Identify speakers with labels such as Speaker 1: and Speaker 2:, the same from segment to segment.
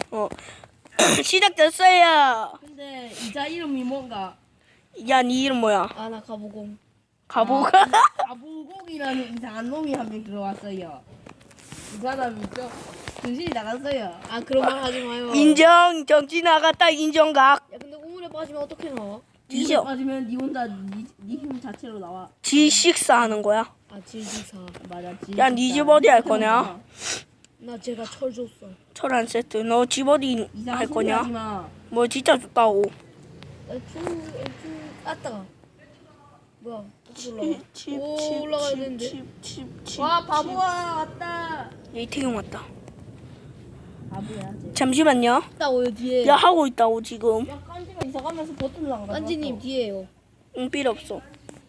Speaker 1: 시작됐어요.
Speaker 2: 근데 이자 이름이 뭔가?
Speaker 1: 야, 네 이름 뭐야?
Speaker 3: 아, 나 가보공.
Speaker 1: 가보가?
Speaker 2: 가보공이라는 이상한 놈이 한 명 들어왔어요. 이 사람이 좀 정신이 나갔어요.
Speaker 3: 아, 그런 말 하지 마요.
Speaker 1: 인정. 정치 나갔다. 인정각.
Speaker 3: 야, 근데 우물에 빠지면 어떻게 나와?
Speaker 1: 뒤져.
Speaker 2: 빠지면 니 혼자 니 힘 자체로 나와.
Speaker 1: G6 하는 거야.
Speaker 3: 아, 질질사.
Speaker 2: 맞아.
Speaker 1: 야, 니 집 어디 할 거냐?
Speaker 3: 나 제가 철 줬어.
Speaker 1: 철안 세트. 너 집 어디
Speaker 2: 이상한
Speaker 1: 할
Speaker 2: 소리 하지
Speaker 1: 거냐?
Speaker 2: 마.
Speaker 1: 뭐 진짜 좋다고.
Speaker 3: 아따가. 뭐야? 어떻게 올라가?
Speaker 1: 칩,
Speaker 3: 오, 올라가야 되는데.
Speaker 1: 칩.
Speaker 2: 와 바보야 왔다.
Speaker 1: 이태경 왔다.
Speaker 2: 바보야. 쟤.
Speaker 1: 잠시만요.
Speaker 3: 있다고요, 뒤에.
Speaker 1: 야, 하고 있다고 지금.
Speaker 2: 야 깐지가 이사 가면서 버튼을 안 가져.
Speaker 3: 깐지님 뒤에요.
Speaker 1: 응, 필요 없어.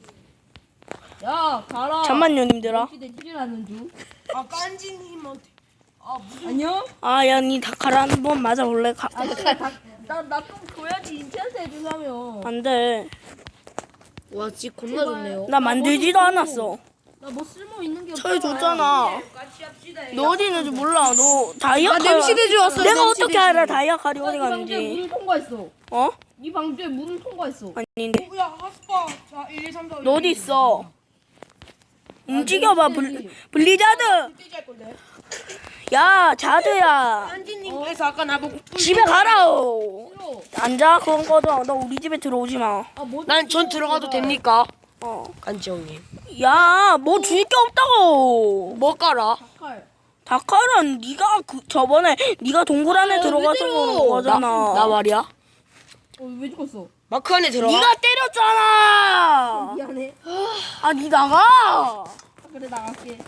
Speaker 2: 야 가라.
Speaker 1: 잠만요, 님들아.
Speaker 2: 시대 찌르라는 중.
Speaker 4: 아 깐지님한테 무슨
Speaker 2: 안녕.
Speaker 1: 아, 야, 니 다카라 한번 맞아볼래?
Speaker 2: 나좀 줘야지 인체한테 해주려면.
Speaker 1: 안 돼.
Speaker 3: 와, 집 겁나 좋네요.
Speaker 1: 나 만들지도 않았어.
Speaker 2: 나 뭐 쓸모 있는 게 없어.
Speaker 1: 철 줬잖아.
Speaker 4: 같이 합시다.
Speaker 1: 너 어디 있는지 몰라. 너 다이아
Speaker 3: 아,
Speaker 1: 칼.
Speaker 3: 냄새내 주웠어요.
Speaker 1: 내가
Speaker 3: 냄새
Speaker 1: 어떻게 알아? 다이아 칼이 어디
Speaker 2: 이 방주에
Speaker 1: 갔는지.
Speaker 2: 문을 통과했어.
Speaker 1: 어?
Speaker 2: 이 방주에 문을 통과했어.
Speaker 1: 아닌데.
Speaker 4: 야 하스파 자 1, 2, 3, 4
Speaker 1: 너 어디 있어? 움직여봐. 블리자드.
Speaker 4: 떼지 할 건데.
Speaker 1: 야, 자드야.
Speaker 4: 깐지님께서 아까 나보고
Speaker 1: 집에 가라오.
Speaker 2: 싫어.
Speaker 1: 앉아. 그건 꺼져. 너 우리 집에 들어오지 마.
Speaker 4: 난 전 들어가도 됩니까?
Speaker 1: 어.
Speaker 4: 깐지 형님.
Speaker 1: 야, 뭐 줄 게 없다고.
Speaker 4: 뭐 깔아?
Speaker 2: 칼.
Speaker 1: 다카는 네가 저번에 네가 동굴 안에 들어가서 그런 거잖아.
Speaker 4: 나 말이야.
Speaker 2: 왜 죽었어?
Speaker 4: 마크 안에 들어가.
Speaker 1: 네가 때렸잖아.
Speaker 2: 미안해.
Speaker 1: 아, 네 나가.
Speaker 2: 그래 나갈게.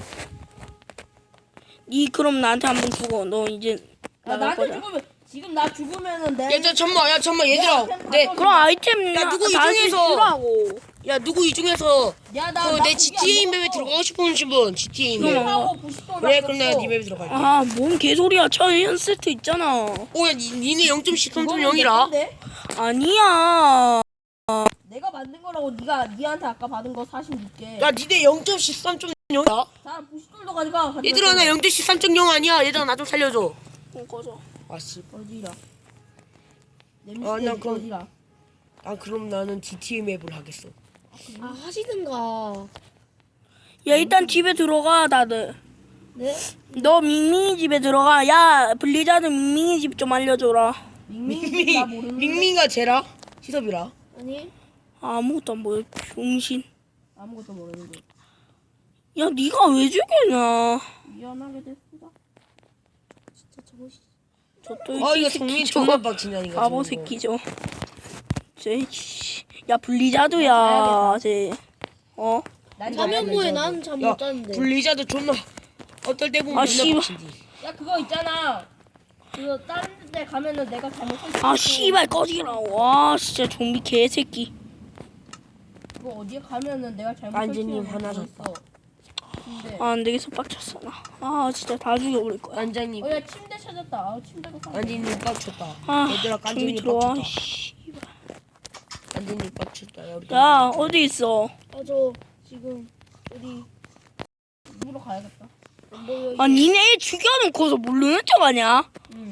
Speaker 1: 네 그럼 나한테 한번 죽어. 너 이제
Speaker 2: 야,
Speaker 1: 나갈
Speaker 2: 나한테
Speaker 1: 거야.
Speaker 2: 죽으면 지금 나 죽으면은 내.
Speaker 4: 야, 잠깐만, 얘들아. 네,
Speaker 1: 그럼 아이템
Speaker 4: 야, 누구 이
Speaker 1: 다시
Speaker 4: 중에서-
Speaker 1: 주라고.
Speaker 4: 야, 누구 이 중에서
Speaker 2: 야나
Speaker 4: 내 GTA 맵에 들어가고 싶은 분, GTA 맵.
Speaker 2: 하고 부시도
Speaker 4: 그래, 그럼 내가 네 맵에 들어갈게.
Speaker 1: 아, 뭔 개소리야. 철현 세트 있잖아.
Speaker 4: 오, 야, 니네 0.13.0이라.
Speaker 1: 아니야.
Speaker 2: 내가 만든 거라고 니한테 아까 받은 거 46개.
Speaker 4: 야, 니네 0.13.0이야.
Speaker 2: 자 부시돌도 가져가.
Speaker 4: 얘들아, 나 0.13.0 아니야. 얘들아, 나 좀 살려줘.
Speaker 1: 꺼져.
Speaker 4: 아씨.
Speaker 2: 어디라?
Speaker 4: 아, 나 그럼-
Speaker 2: 어디라?
Speaker 4: 아, 그럼 나는 GTA 맵을 하겠어.
Speaker 3: 아, 하시든가.
Speaker 1: 야, 일단 집에 들어가 다들.
Speaker 3: 네?
Speaker 1: 너 밍밍이 집에 들어가. 야, 블리자드 밍밍이 집 좀 알려줘라.
Speaker 2: 밍밍이 나 모르는데.
Speaker 4: 밍밍이가 쟤라? 시섭이라?
Speaker 3: 아니?
Speaker 1: 아무것도 안 보여. 병신.
Speaker 2: 아무것도 모르는데.
Speaker 1: 야, 네가 왜 죽였냐?
Speaker 2: 미안하게 됐습니다.
Speaker 3: 진짜 저것이.
Speaker 1: 저또
Speaker 4: 아, 이거 성민 정말 빡치냐니까.
Speaker 1: 바보 새끼죠. 야, 블리자드야. 쟤. 어?
Speaker 2: 난
Speaker 3: 화면부에 난 잠
Speaker 4: 야,
Speaker 3: 못 잤는데.
Speaker 4: 블리자드 존나 어떨 때 보면
Speaker 1: 아,
Speaker 4: 존나
Speaker 1: 씨발.
Speaker 4: 빡친디.
Speaker 2: 야 그거 있잖아. 그거 다른 데 가면은 내가 잘못했어.
Speaker 1: 아, 씨발 꺼지라. 와, 진짜 좀비 개새끼.
Speaker 2: 그거 어디에 가면은 내가 잘못했어.
Speaker 4: 완전히 화나셨다.
Speaker 2: 근데
Speaker 1: 아, 안 되겠어. 빡쳤어, 나. 아, 진짜 다 죽여버릴 거야.
Speaker 4: 깐장님,
Speaker 2: 야 침대 찾았다. 아 침대가 사.
Speaker 4: 깐장님 빡쳤다.
Speaker 1: 아,
Speaker 4: 얘들아,
Speaker 1: 좀비
Speaker 4: 깐장님
Speaker 1: 들어와.
Speaker 4: 빡쳤다.
Speaker 1: 씨발.
Speaker 4: 깐장님 빡쳤다. 야, 우리
Speaker 1: 야, 어디 있어?
Speaker 3: 아, 저 지금 어디
Speaker 2: 물어 가야겠다.
Speaker 3: 안 보여.
Speaker 1: 아, 니네 죽여놓고서 모르는 척 하냐?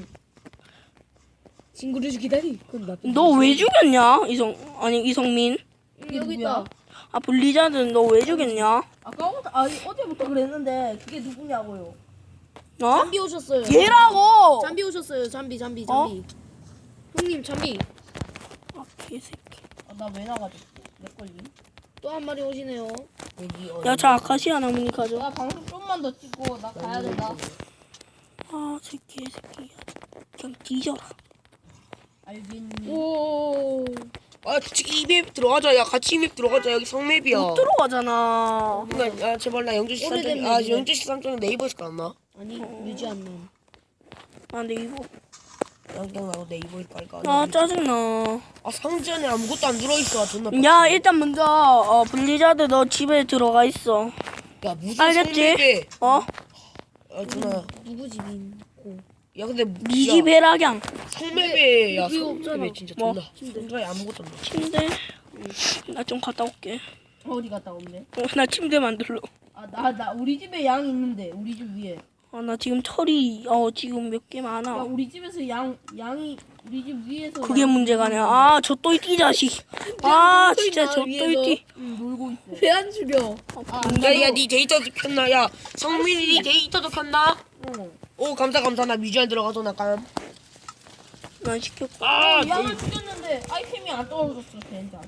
Speaker 3: 친구를 기다리. 그건 나쁜.
Speaker 1: 너 왜 죽였냐? 이성민.
Speaker 2: 이게
Speaker 3: 여기
Speaker 2: 누구야?
Speaker 3: 있다.
Speaker 1: 아, 블리자드 너 왜 죽였냐?
Speaker 2: 아까부터 어제부터 그랬는데 그게 누구냐고요?
Speaker 1: 어?
Speaker 3: 잠비 오셨어요.
Speaker 1: 얘라고!
Speaker 3: 잠비 오셨어요. 잠비.
Speaker 1: 어?
Speaker 3: 형님 잠비.
Speaker 1: 아, 개새끼.
Speaker 2: 나 왜 나가졌지? 내 걸림.
Speaker 3: 또 한 마리 오시네요.
Speaker 4: 여기
Speaker 1: 야, 저 아카시아 나무니 가져.
Speaker 2: 야 방송 좀만 더 찍고 나 가야 된다.
Speaker 1: 아, 저 개새끼. 그냥 뒤져라.
Speaker 2: 알겠니?
Speaker 3: 오.
Speaker 4: 아, 이 맵 들어가자. 야, 같이 이 맵 들어가자. 여기 성맵이야.
Speaker 1: 못 들어가잖아.
Speaker 4: 그러니까, 야, 제발 나 0.13.0.
Speaker 3: 오래된
Speaker 4: 아,
Speaker 3: 맵이네.
Speaker 4: 0.13.0 네이버에서 깔았나?
Speaker 3: 아니 유지 안 남.
Speaker 1: 아, 근데 이거.
Speaker 4: 그냥 나도 네이버에서 깔까?
Speaker 1: 아, 짜증나.
Speaker 4: 아, 상자 안에 아무것도 안 들어있어. 존나
Speaker 1: 야,
Speaker 4: 빡치네.
Speaker 1: 일단 먼저, 블리자드 너 집에 들어가 있어.
Speaker 4: 야, 무슨
Speaker 1: 알겠지?
Speaker 4: 성맵에.
Speaker 1: 어?
Speaker 4: 아, 존나.
Speaker 3: 누구 집인 고.
Speaker 4: 야, 근데
Speaker 1: 니
Speaker 4: 야,
Speaker 1: 집 해라경.
Speaker 4: 성맵에 야,
Speaker 3: 여기
Speaker 4: 성맵에
Speaker 3: 없잖아.
Speaker 4: 진짜
Speaker 1: 뭐?
Speaker 4: 존나. 상자에 아무것도 안 들어.
Speaker 1: 침대. 나 좀 갔다 올게.
Speaker 2: 어디 갔다 온대?
Speaker 1: 나 침대 만들러.
Speaker 2: 나 우리 집에 양 있는데 우리 집 위에.
Speaker 1: 아, 나 지금 털이 지금 몇 개
Speaker 2: 야
Speaker 1: 많아.
Speaker 2: 우리 집에서 양이 우리 집 위에서
Speaker 1: 그게
Speaker 2: 양이
Speaker 1: 문제가 아니야. 아, 저 또이띠 자식. 아, 진짜 저 또이띠.
Speaker 2: 놀고 있어.
Speaker 3: 왜 안 죽여?
Speaker 4: 야야 네 데이터도 켰나? 야 성민이 네 데이터도 켰나?
Speaker 2: 응.
Speaker 4: 오 감사 나 뮤지엄 들어가서 나감.
Speaker 1: 난 시켰고.
Speaker 2: 양을 죽였는데 아이템이 안 떨어졌어 진짜.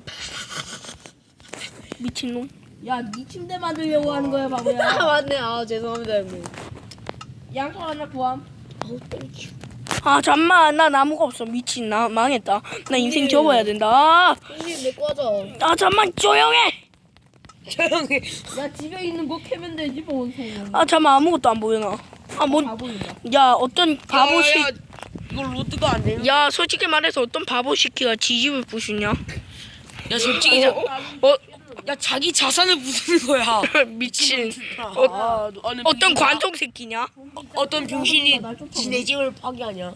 Speaker 1: 미친놈.
Speaker 2: 야, 네 침대 만들려고 하는 거야, 바보야.
Speaker 3: 아 맞네. 아 죄송합니다 형님.
Speaker 2: 양털 하나 구함.
Speaker 1: 아, 잠만. 나 나무가 없어. 미친. 나 망했다. 나 인생 접어야 된다.
Speaker 3: 형님 내거 하자.
Speaker 1: 아, 잠만. 조용해.
Speaker 4: 조용히.
Speaker 2: 야, 집에 있는 거 캐면 되지, 뭔 소리야.
Speaker 1: 아, 잠만. 아무것도 안 보여, 나. 아, 뭐.
Speaker 2: 다 보인다.
Speaker 1: 야, 어떤 바보 새.
Speaker 4: 야, 이거 로드가 안 되는.
Speaker 1: 야, 솔직히 말해서 어떤 바보 새끼가 지집을 부수냐?
Speaker 4: 야 솔직히 야 자기 자산을 부수는 거야.
Speaker 1: 미친.
Speaker 4: 어느
Speaker 1: 어떤 관종 새끼냐?
Speaker 4: 어떤 병신이 지네 집을 파괴하냐?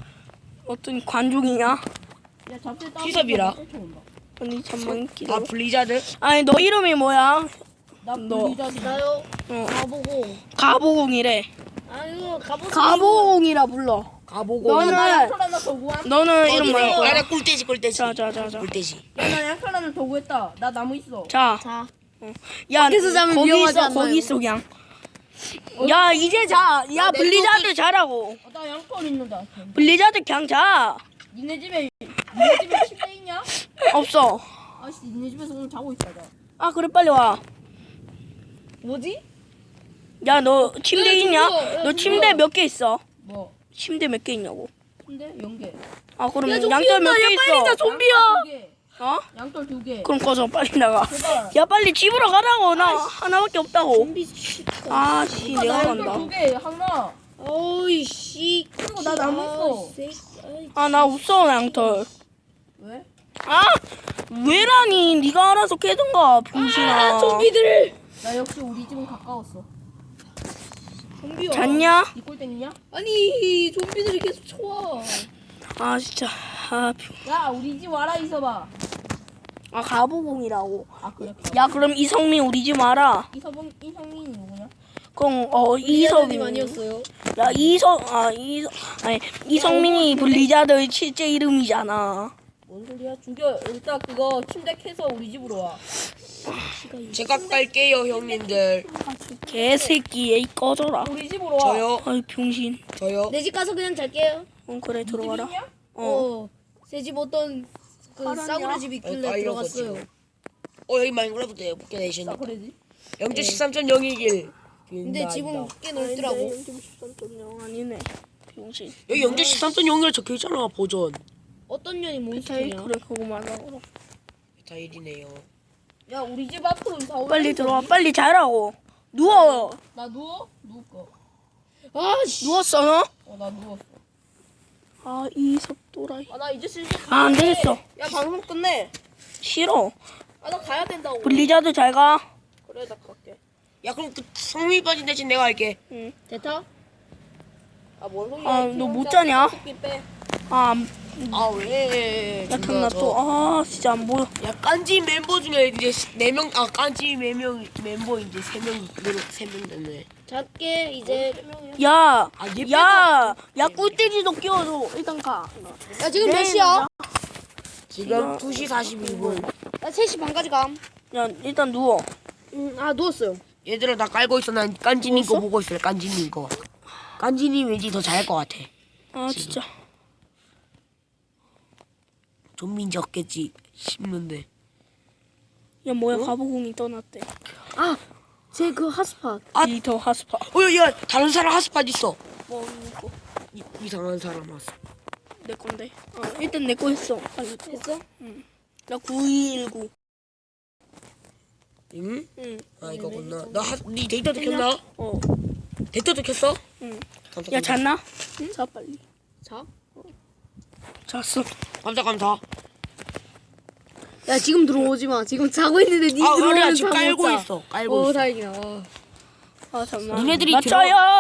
Speaker 1: 어떤 관종이냐?
Speaker 2: 야, 잡채 따.
Speaker 4: 희섭이라.
Speaker 1: 아니, 잠만
Speaker 4: 아
Speaker 1: 기다려.
Speaker 4: 블리자드?
Speaker 1: 아니, 너 이름이 뭐야?
Speaker 2: 나
Speaker 1: 너.
Speaker 2: 불리자지.
Speaker 3: 나요.
Speaker 1: 어.
Speaker 3: 가보고.
Speaker 1: 가보공이래.
Speaker 3: 아유 가보고.
Speaker 1: 가보공이라 불러.
Speaker 4: 가보고.
Speaker 1: 너는-
Speaker 2: 나 양털 하나 더 구함.
Speaker 1: 너는 이름 뭐야?
Speaker 4: 아나 꿀돼지.
Speaker 1: 자.
Speaker 4: 꿀돼지.
Speaker 2: 야, 나 양털 하나 더 구했다. 나 나무 있어.
Speaker 1: 자,
Speaker 3: 자.
Speaker 1: 야,
Speaker 3: 밖에서 자면
Speaker 1: 거기
Speaker 3: 위험하지
Speaker 1: 있어,
Speaker 3: 않나요?
Speaker 1: 거기 있어, 그냥. 야, 이제 자. 야, 블리자드 자라고.
Speaker 2: 나 양털 있는다.
Speaker 1: 블리자드 그냥 자.
Speaker 2: 니네 집에 침대 있냐?
Speaker 1: 없어.
Speaker 2: 아씨, 니네 집에서 오늘 자고 있다. 나.
Speaker 1: 아, 그래, 빨리 와.
Speaker 3: 뭐지?
Speaker 1: 야, 너 침대
Speaker 3: 야,
Speaker 1: 있냐?
Speaker 3: 저거, 야,
Speaker 1: 너
Speaker 3: 저거.
Speaker 1: 침대 몇 개 있어?
Speaker 2: 뭐?
Speaker 1: 침대 몇 개 있냐고.
Speaker 2: 침대 연계.
Speaker 1: 아, 그럼
Speaker 3: 야, 좀비
Speaker 1: 양털
Speaker 3: 온다.
Speaker 1: 몇
Speaker 3: 야,
Speaker 1: 개
Speaker 3: 빨리
Speaker 1: 있어?
Speaker 3: 자, 좀비야.
Speaker 1: 어?
Speaker 2: 양털 2개.
Speaker 1: 그럼 꺼져, 빨리 나가.
Speaker 2: 제발.
Speaker 1: 야, 빨리 집으로 가라고. 나 하나밖에 없다고.
Speaker 3: 좀비.
Speaker 1: 아, 씨,
Speaker 2: 나
Speaker 1: 내가
Speaker 2: 양털
Speaker 1: 간다.
Speaker 2: 2개 하나.
Speaker 3: 어이 씨.
Speaker 2: 그리고 나 나무 있어.
Speaker 1: 아, 나 없어, 양털.
Speaker 2: 왜?
Speaker 1: 아, 왜라니? 네가 알아서 캐든가, 병신아.
Speaker 3: 좀비들.
Speaker 2: 나 역시 우리 집은 가까웠어.
Speaker 3: 좀비야.
Speaker 1: 잤냐?
Speaker 2: 이 꼴땡이냐?
Speaker 3: 아니 좀비들이 계속 쳐와.
Speaker 1: 아, 진짜. 아,
Speaker 2: 야, 우리 집 와라 있어봐.
Speaker 1: 아, 가보공이라고.
Speaker 2: 아, 그래.
Speaker 1: 야, 그럼 이성민 우리 집 와라.
Speaker 2: 이성민이 누구냐?
Speaker 1: 그럼
Speaker 3: 이성이
Speaker 1: 이성민.
Speaker 3: 아니었어요.
Speaker 1: 야, 아니 이성민이 블리자드의 실제 이름이잖아.
Speaker 2: 뭔 소리야? 죽여. 일단 그거 침대 캐서 우리 집으로 와.
Speaker 4: 제가 깔게요 형님들.
Speaker 1: 개새끼, 에이 꺼져라.
Speaker 2: 우리 집으로 와.
Speaker 4: 저요.
Speaker 1: 아이 병신.
Speaker 4: 저요.
Speaker 3: 내 집 가서 그냥 잘게요.
Speaker 1: 그래 들어가라.
Speaker 2: 집이냐?
Speaker 3: 새 집 어떤 그
Speaker 2: 파란이야?
Speaker 3: 싸구려 집 있길래
Speaker 4: 어,
Speaker 3: 들어갔어요.
Speaker 4: 여기 마인크래프트에 붙게 되시니까.
Speaker 2: 그러지.
Speaker 4: 0.13.021.
Speaker 3: 근데 집은 꽤 넓더라고.
Speaker 1: 0.13.0 아니네. 병신.
Speaker 4: 여기 0.13.0이라 적혀 있잖아 버전.
Speaker 3: 어떤 년이
Speaker 1: 에이
Speaker 3: 몬스터냐?
Speaker 1: 그래 그거만 하고.
Speaker 4: 다 1이네요.
Speaker 2: 야, 우리 집 앞으로 이사 올래.
Speaker 1: 빨리 들어와. 빨리 자라고. 누워.
Speaker 2: 나 누워? 누울 거.
Speaker 3: 아씨.
Speaker 1: 누웠어 너?
Speaker 2: 나 누웠어.
Speaker 1: 아 이섭 또라이.
Speaker 2: 나 이제 슬슬
Speaker 1: 아, 안 되겠어.
Speaker 2: 야, 방송 끝내.
Speaker 1: 싫어.
Speaker 2: 나 가야 된다고.
Speaker 1: 블리자드 잘 가.
Speaker 2: 그래, 나 갈게.
Speaker 4: 야 그럼 그 성민이 빠진 대신 내가 할게.
Speaker 1: 응.
Speaker 3: 대타?
Speaker 2: 뭔 소리야?
Speaker 1: 아, 너 못 자냐?
Speaker 2: 새끼 빼.
Speaker 1: 아,
Speaker 4: 아 왜?
Speaker 1: 야, 탐나 또. 아, 진짜 안 보여.
Speaker 4: 야 깐지 멤버 중에 이제 4명 깐지 멤버 이제 3명 됐네.
Speaker 3: 작게 이제.
Speaker 1: 야,
Speaker 4: 얘
Speaker 1: 야, 꿀돼지도 끼워줘. 일단 가.
Speaker 3: 야 지금 몇 시야?
Speaker 4: 지금 2시 41분.
Speaker 3: 나 3시 반까지 감.
Speaker 1: 야, 일단 누워.
Speaker 3: 아 누웠어요.
Speaker 4: 얘들아 나 깔고 있어. 난 깐지님 거
Speaker 1: 누웠어?
Speaker 4: 보고 있어. 깐지님 거. 깐지님 왠지 더 잘할 것 같아.
Speaker 1: 아, 진짜.
Speaker 4: 좀비인지 없겠지 싶는데.
Speaker 1: 야, 뭐야, 가보공이 떠났대.
Speaker 3: 아, 제 그 핫스팟.
Speaker 1: 이더 하스파.
Speaker 4: 야 다른 사람 핫스팟 있어.
Speaker 1: 뭐, 이거
Speaker 4: 이상한 사람 왔어.
Speaker 1: 내 건데. 일단 내 거 했어. 빨리 했어? 응. 나 9219.
Speaker 4: 응?
Speaker 1: 응.
Speaker 4: 아 이거구나. 네 데이터도 켰나?
Speaker 1: 어.
Speaker 4: 데이터도 켰어?
Speaker 1: 응.
Speaker 4: 감사,
Speaker 1: 야,
Speaker 4: 감사.
Speaker 1: 잤나? 응? 자, 빨리.
Speaker 3: 자.
Speaker 1: 잤어.
Speaker 4: 감사.
Speaker 3: 야 지금 들어오지 마. 지금 자고 있는데 니 들어오면
Speaker 4: 아니야 지금
Speaker 3: 잠 못
Speaker 4: 깔고
Speaker 3: 자.
Speaker 4: 있어. 깔고
Speaker 3: 오
Speaker 4: 있어.
Speaker 3: 다행이다. 와.
Speaker 1: 아, 잠깐만.
Speaker 4: 니네들이
Speaker 1: 맞춰요.